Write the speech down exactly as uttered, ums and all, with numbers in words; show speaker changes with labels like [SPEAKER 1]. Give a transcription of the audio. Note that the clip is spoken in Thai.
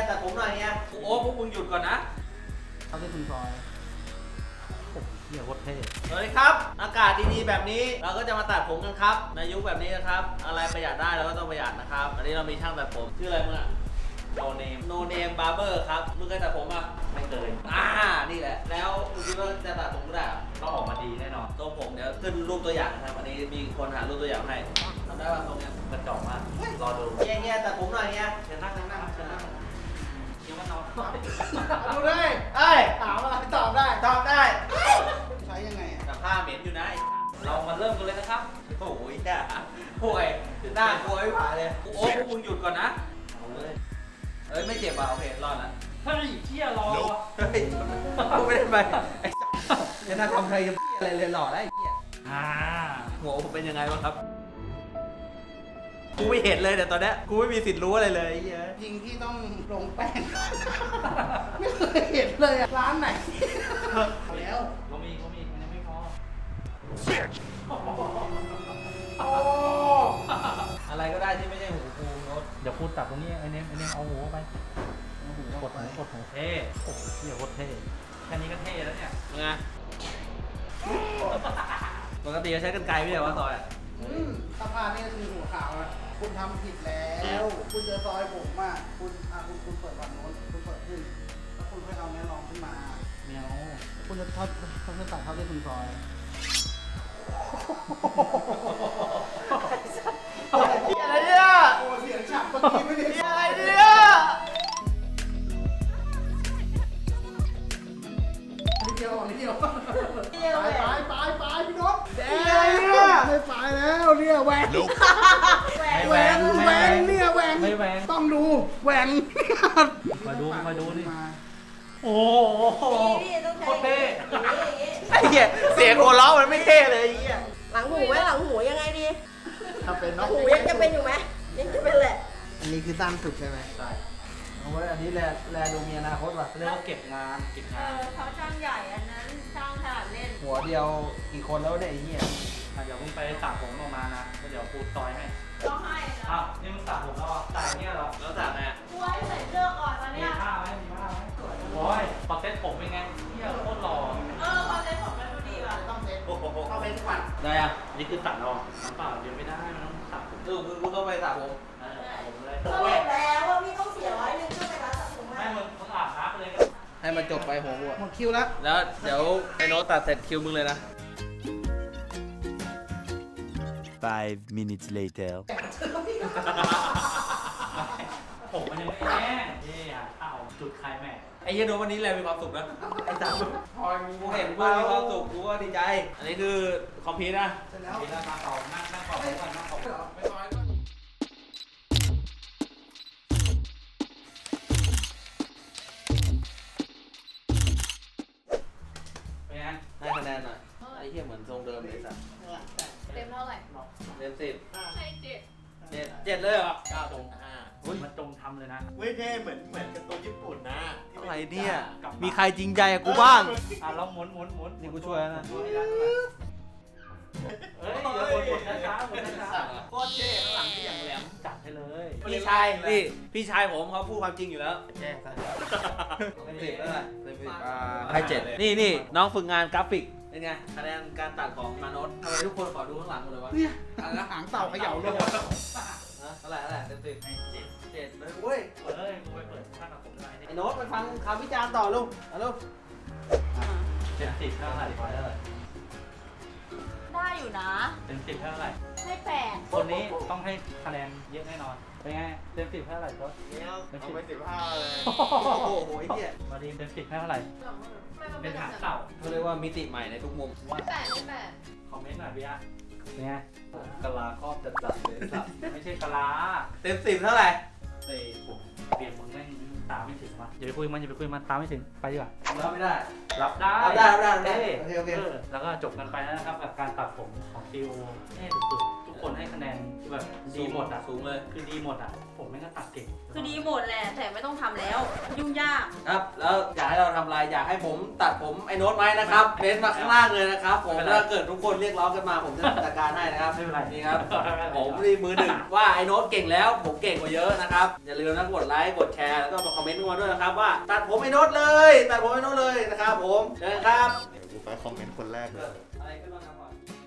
[SPEAKER 1] ตัดผมหน่อยเนี่ยโอ้พวกมึงหยุดก่อนนะ
[SPEAKER 2] เขาเป็นคุณพลอยโอ้เหี้ยโคตรเท่
[SPEAKER 1] สวัสดีครับอากาศดีๆแบบนี้เราก็จะมาตัดผมกันครับในยุคแบบนี้นะครับอะไรประหยัดได้เราก็ต้องประหยัดนะครับอันนี้เรามีช่างตัดผมชื่ออะไรมึงอะ
[SPEAKER 2] โนเนม
[SPEAKER 1] โนเนมบาร์เบอร์ครับมึงเคยตัดผมอ่ะ
[SPEAKER 2] ไม่เคย
[SPEAKER 1] อ่านี่แหละแล้วมึงคิดว่าจะตัดผมกูได้เหรอ
[SPEAKER 2] ต้องออกมาดีแน่นอน
[SPEAKER 1] ทรงผมเดี๋ยวขึ้นรูปตัวอย่างนะครับวันนี้มีคนหารูปตัวอย่างให้ทำได้ป่ะตรงเนี้ย
[SPEAKER 2] กระจอกมากรอดู
[SPEAKER 1] เงี้ยเงี้ยตัดผมหน่อยเงี้ย
[SPEAKER 2] เชิญนั่งนั่งนั่งเชิญนั่งเดี๋ยวมานอน
[SPEAKER 3] ดูได้
[SPEAKER 1] เอ้ย
[SPEAKER 3] ถามอะไรตอบได้
[SPEAKER 1] ตอบได้
[SPEAKER 3] ใช้ยังไงอ่ะ
[SPEAKER 1] แต่ผ้าเหม็นอยู่นะ
[SPEAKER 2] เรามาเริ่มกันเลยนะครับ
[SPEAKER 1] โอ้ยแย่ป่วยหน้ากลัวไม่ผ่านเลยโอ้พวกมึงหยุดก่อนนะ
[SPEAKER 2] เอาเลย
[SPEAKER 1] เอ้ยไม่เจ็บอ่ะโอเครอดละ
[SPEAKER 2] เฮ้ยเที่ยรอวะ
[SPEAKER 1] เฮ้ยกูไม่ได้ไปไอ้จะน่าทำใครจะอะไรเลยหล่อได้ไอ้เหี้ย
[SPEAKER 2] อ่า
[SPEAKER 1] หัวผมเป็นยังไงบ้างครับกูไม่เห็นเลยแต่ตอนเนี้ยกูไม่มีสิทธิ์รู้อะไรเลยไอ้เหี้ย
[SPEAKER 3] จริงที่ต้องลงแป้ง ไม่เคยเห็นเลยอ่ะ ร้านไหนเอาแล้ว
[SPEAKER 2] ก็มีก็มีมันยังไม่พอ
[SPEAKER 3] โอ้
[SPEAKER 1] อะไรก็ได้ที่ไม่ใช่หูกูโน้ต
[SPEAKER 2] เดี๋ยวพูดตัดตรงนี้ไอ้เนมไอ้เนมเอาหัวไปเอาหัวกดหัวกดหัวเท่โอ้โหเที่ยโคตรเท่แค่นี้ก็เท่แล้วเนี่ย
[SPEAKER 1] ไงปกติจะใช้กันไกลไม่ใช่ว่าซอยอ่ะ
[SPEAKER 3] อืมสะพานนี่คือหัวขาวนะคุณทำผิดแล้ว คุณจะซอยผมอ่ะคุณอ่ะคุณคุณเปิดฝั่งโน้นคุณเปิดขึ้น แล้วคุณค่อยเอาเนี้ยรองขึ้นมา
[SPEAKER 2] เมียว
[SPEAKER 3] คุณจะทอดเขาจะตัดเท่าที่คุณซอย
[SPEAKER 1] อะไรเนี่ย
[SPEAKER 3] โอ้เสียงฉับเมื่อกี้ไม่ได้
[SPEAKER 1] อะไรเนี่ย
[SPEAKER 3] นิดเดียวนิดเดียวไปไปไปไปพี่นกแด
[SPEAKER 1] อะไรเนี่ย
[SPEAKER 3] ไม่ไปแล้วเนี่ยแหวน
[SPEAKER 2] ไม่
[SPEAKER 3] แห
[SPEAKER 2] แห
[SPEAKER 3] ว
[SPEAKER 2] วน
[SPEAKER 3] นแหวนเนี่ยแหวน
[SPEAKER 2] ไม่แหวน
[SPEAKER 3] ต้องดูแหวน
[SPEAKER 2] มาดูมาดูนี่
[SPEAKER 3] มา
[SPEAKER 2] โอ้โหโคตรเท่
[SPEAKER 1] ไอ้เหี้ยเสียงหัวเราะมันไม่เท่เลยไอ้เหี้ย
[SPEAKER 4] หลังหูไหมหลังหูยังไงดี
[SPEAKER 3] ถ้าเป็น
[SPEAKER 4] ห
[SPEAKER 3] น
[SPEAKER 4] ลั
[SPEAKER 3] ก
[SPEAKER 4] งหูยังจะเป็นอยู่ไหมยังจะเป็นแหละ
[SPEAKER 3] อันนี้คือสั้นสุดใช่ไหม
[SPEAKER 2] ใช่
[SPEAKER 3] เอาไว้อันนี้แลแลดูมีอนาคตว่ะ
[SPEAKER 2] เรียกว่าเก็บงานเก็บาน
[SPEAKER 4] เองอเขาช่างใหญ่อันนั้นช่างถนัดเล่น
[SPEAKER 3] หัวเดียวกี่คนแล้วเนี่ยไอ้เหี้ย
[SPEAKER 2] อ่ะเดี๋ยวมึงไปสระผมออกมานะแล้วเดี๋ยวปูซอยให้
[SPEAKER 4] ร้องไห้เลย
[SPEAKER 2] อ้าวนี่มึงสระผมแล้วอ่ะสระเนี่ยเหรอ
[SPEAKER 1] แล้วจากไง
[SPEAKER 4] กลัวใส่เสื้อก่อนตอน
[SPEAKER 2] มี
[SPEAKER 4] เนี้ย
[SPEAKER 2] ผ้าไหมมีผ้าไหมโอ้ยพอเซ็ตผมเป็นไงเที่ยโคตรหล่อ
[SPEAKER 4] เออพอเซ็ตผมมันดูดีว่ะ
[SPEAKER 3] ต้องเซ็ต
[SPEAKER 1] โอ้โห
[SPEAKER 3] เข้าเป็นขวัญ
[SPEAKER 1] ได้อ่ะ
[SPEAKER 2] อันนี้คือตัดเราน้ำเปล่าเดี๋ยวไม่ได้มันต้องสระผม
[SPEAKER 1] คือคือกูต้องไปสระผม
[SPEAKER 2] เออสระผมเลย
[SPEAKER 4] ก็เห็นแล้วว่าพี่ต้องเสียร้อยหนึงเพื่อไปร้านตัดผม
[SPEAKER 2] ให้
[SPEAKER 4] ให้
[SPEAKER 2] มึงมึงอาบน้ำไปเลย
[SPEAKER 1] ให้มันจบไปหัวกูอะ
[SPEAKER 3] หมดคิวแล้ว
[SPEAKER 1] แล้วเดี๋ยวไอ้โน้ตตัดเสร็จคิวมึงเลยนะ
[SPEAKER 5] Five minutes later.
[SPEAKER 2] ผมมันยังไม่แห้งนี่อ่ะเอาจุดคลายแม็กซ์
[SPEAKER 1] ไอ้เหี้ยโน้ตวันนี้แลมีความสุขนะไอ้สามกูเห็นกูมีความสุขกูก็ดีใจ อันนี้คือคอมพิวต์นะ
[SPEAKER 3] เสร็จแล้ว
[SPEAKER 2] นี่เรามาต่อนั่งนั่งขอบผมก่อนนั่งขอบผมก่อน
[SPEAKER 3] ไม่ซอยก็
[SPEAKER 2] เป็นไง
[SPEAKER 1] ให้คะแนนหน่อยไอ้เหี้ยเหมือนทรงเดิมเลยสัส
[SPEAKER 4] เต็มเท่าไหร่
[SPEAKER 1] เต็มสิบ
[SPEAKER 4] ให้เจ็ด
[SPEAKER 1] เจ็ดเจ็ดเลยเหรอ
[SPEAKER 2] ก้าวตรงอ่ามันจงทำเลยนะ
[SPEAKER 6] ไม่ใช่เหมือนเหมือนการ์ตูนญี่ปุ่นนะที่
[SPEAKER 1] อะไร
[SPEAKER 6] ป็
[SPEAKER 1] เนี่ย
[SPEAKER 2] กลับบ้าน
[SPEAKER 1] มีใครจริงใจกับกูบ้าง
[SPEAKER 2] อ่ะเราหมุนหมุนหมุน
[SPEAKER 1] นี่กูช่วยแล้วนะ
[SPEAKER 2] ช่วยแล้วนะเฮ้ยเดี๋ยวหมุนหมุนช้าๆหมุนช้า
[SPEAKER 1] โคตรเท่ข้างหลังที่อย่างแหลม
[SPEAKER 2] ๆจัดให้เลย
[SPEAKER 1] พี่ชายนี่พี่ชายผมเขาพูดความจริงอยู่แล้ว
[SPEAKER 3] แจ้งซะ
[SPEAKER 1] เต็มสิบเท่าไหร่เต็มสิบอ่าให้เจ็ดนี่นี่น้องฝึกงานกราฟิกเป็นไงคะแนนการตัดของมาโนตทำไมทุกคนขอดูข้างหลังหมดเลยวะ
[SPEAKER 3] เนี่ยหางเต่าเขย่าเลย
[SPEAKER 1] ฮะเท่าไหร่เท่าไหร่เต็มสิบ
[SPEAKER 2] ให้เจ็ด
[SPEAKER 1] เจ็ดเลยเว้ย
[SPEAKER 2] เฮ้ยกูไปเปิดข้างกับผมได้
[SPEAKER 1] ไอ้โน้ตไปฟังคำวิจารณ์ต่อลูกเอาลูก
[SPEAKER 2] เต็มสิบเท่าไหร่
[SPEAKER 1] เท่าไหร่
[SPEAKER 4] ได้อยู่นะ
[SPEAKER 2] เต็มสิบเท่าไหร่
[SPEAKER 4] ให้แปด
[SPEAKER 2] คนนี้ต้องให้คะแนนเยอะแน่นอน เป็นไง เต็มสิบเท่าไหร่ครับ
[SPEAKER 6] เนี่ยเอาไปสิบห้าเลย
[SPEAKER 1] โอ้โหไอ้เหี้ย
[SPEAKER 2] มาดีมเต็มสิบเท่าไหร่ เป็นหางเต่า
[SPEAKER 1] เขาเรียกว่ามิติใหม่ในทุกมุม
[SPEAKER 2] ว่า
[SPEAKER 4] แปดให้แปด
[SPEAKER 2] คอมเมนต์หน่อยเบียร์เป็นไง
[SPEAKER 1] กะลาครอบจัดจัดเลยสับ
[SPEAKER 2] ไม่ใช่กะลา
[SPEAKER 1] เต็มสิบเท่าไหร่
[SPEAKER 2] เตะผมเปลี่ยนมึงแม่งตามไม่ถึงว่ะอย่าไปคุยมันอย่าไปคุยมันตามไม่ถึง ไปดีกว่า
[SPEAKER 1] รับไม่ได้
[SPEAKER 2] รับได้
[SPEAKER 1] รับได้รับได้รับได้
[SPEAKER 2] เอ้ย
[SPEAKER 1] โอเคโอเค
[SPEAKER 2] อแล้วก็จบกันไปแล้วนะครับกับการตัดผมของฟิวเท่สุดๆทุกคนให้คะแนนแบบดีหมดอ่ะ
[SPEAKER 1] สูงเลย
[SPEAKER 2] คือดีหมดอ่ะ ผมแม่งก็ตัดเก่ง
[SPEAKER 4] คือดีหมดแหละแต่ไม่ต้องทำแล้ว
[SPEAKER 2] เ
[SPEAKER 4] ยุ่งยาก
[SPEAKER 1] ครับแล้วอยากให้เราทำอะไรอยากให้ผมตัดผมไอ้โน้ตไหมนะครับเม้นต์มาข้างล่างเลยนะครับผมถ้าเกิดทุกคนเรียกร้องกันมาผมจะจัดการให้นะครับ
[SPEAKER 2] ไม่เป็นไร
[SPEAKER 1] นี่ครับผมนี่มือหนึ่งว่าไอ้โน้ตเก่งแล้วผมเก่งกว่าเยอะนะครับอย่าลืมนะกดไลค์กดแชร์แล้วก็มาคอมเมนต์กันมาด้วยนะครับว่าตัดผมไอ้โน้ตเลยตัดผมไอ้โน้ตเลยนะครับผมเชิญครับ
[SPEAKER 6] เดี๋ยวกูไปคอมเมนต์คนแรกเลย
[SPEAKER 1] อะไรขึ้นบ้างครับ